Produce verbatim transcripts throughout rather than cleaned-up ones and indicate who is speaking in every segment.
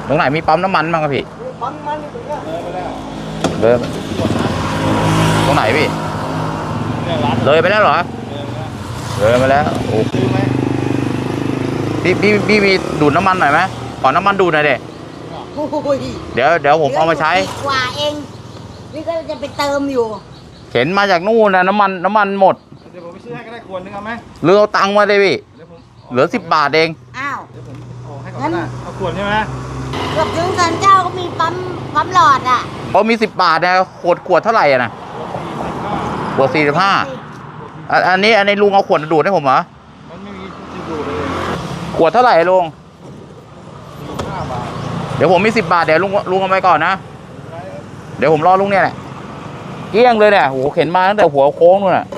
Speaker 1: ตรงไหนมีปั๊มน้ำมันบ้างครับพี่
Speaker 2: ปั๊มน้ำมันอยู่ตรงเนี้ยเลยไปแล้ว
Speaker 1: เลยตรงไหนพี่เลยไปแล้วเหรอเลยไปแล้วโอ้ซื้อไหมพี่พี่พี่มีดูดน้ำมันหน่อยไหมขอน้ำมันดูดหน่อยเด็เดี๋ยวเดี๋ยวผมเอามาใช้
Speaker 3: กว่าเองนี่ก็จะไปเติมอยู่
Speaker 1: เข็นมาจากนู่นนะน้ำมันน้ำมันหมด
Speaker 2: เดี๋ยวผมไปซื้อให้ก็ได้ขวดนึงเอาไหม
Speaker 1: หรือเอาตังค์มาเลยพี่เหลือสิบบาทเอง
Speaker 3: อ้าว
Speaker 2: เดี๋ยวผมเอาให้เขาได้เอาขวดใช่ไหม
Speaker 3: เกือบถึงสันเจ้าก็มีปั๊มปั๊มหลอดอ่ะ
Speaker 1: เขามีสิบบาทเนี่ยขวดขวดเท่าไหร่อ่ะนะขวดสี่สิบห้าอันนี้อันนี้ลุงเอาขวดดูดให้ผมเหรอ
Speaker 2: มันไม่มีที่ดูดเลย
Speaker 1: ขวดเท่าไหร่ลุงห้าบาทเดี๋ยวผมมีสิบบาทเดี๋ยวลุงลุงเอาไปก่อนนะเดี๋ยวผมรอลุงเนี่ยแหละเกี้ยงเลยเนี่ยโหเข็นมาตั้งแต่หัวโค้งนู่นน่ะ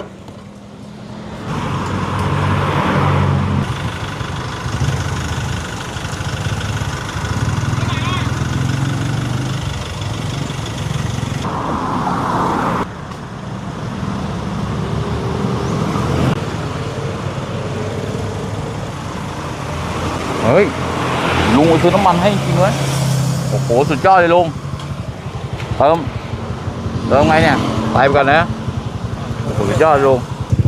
Speaker 1: เฮ้ยลุงซื้อน้ำมันให้จริงเลยโอ้โหสุดยอดเลยลุงเติมเติมไงเนี่ยไปไปก่อนนะโอ้โหสุดยอดลุง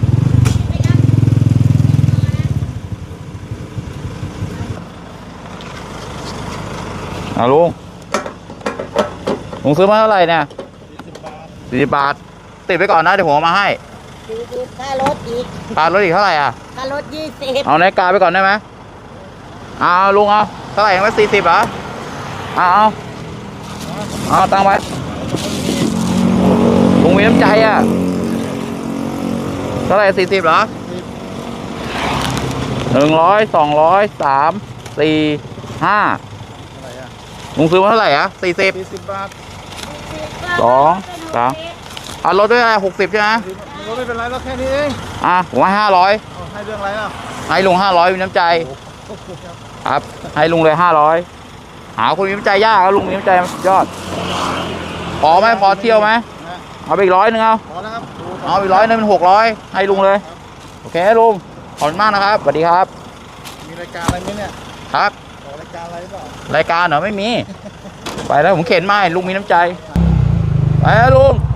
Speaker 1: เอาลุงลุงซื้อมาเท่าไหร่เนี่ยสี่สิบบาทติดไปก่อนนะเดี๋ยวผมเอามาให้
Speaker 3: สี่สิบค่ารถอีก
Speaker 1: ค่ารถอีกเท่าไหร่อ่ะ
Speaker 3: ค่ารถยี่สิบ
Speaker 1: เอาในกาไปก่อนได้ไหมเอาลุงเอาเท่าไหร่ยังไม่สี่สิบเหรอเอาเอาเอาตังไปลุงมีน้ำใจอ่ะเท่าไหร่สี่สิบเหรอหนึ่งร้อยสองร้อยสามสี่ห้าลุงซื้อมาเท่าไหร่อ่ะสี่สิบ
Speaker 2: สี่สิบบาท
Speaker 1: สองสามเอาลดด้วยอะไรหกสิบใช่ไหม
Speaker 2: ลดไม่เป็นไรแล้วแค่นี้เอง
Speaker 1: อ่ะผมให้ห้าร้อย
Speaker 2: ให้เรื่องอะไรล่ะ
Speaker 1: ให้ลุงห้าร้อยมีน้ำใจครับให้ลุงเลยห้าร้อยหาคนมีน้ำใจยากแล้วลุงมีน้ำใจยอดพอไหมพอเที่ยวไหมเอาไปอีกร้อยหนึ่งเอา
Speaker 2: พอแล้วครับ
Speaker 1: เอาอีกร้อยนึงเป็นหกร้อยให้ลุงเลยโอเคลุงขอบคุณมากนะครับสวัสดีครับ
Speaker 2: มีรายการอะไรไหมเนี่ย
Speaker 1: ครับ
Speaker 2: รายการอะไรเปล่าร
Speaker 1: ายการเหรอไม่มีไปแล้วผมเข็นมาลุงมีน้ำใจไปแล้วลุง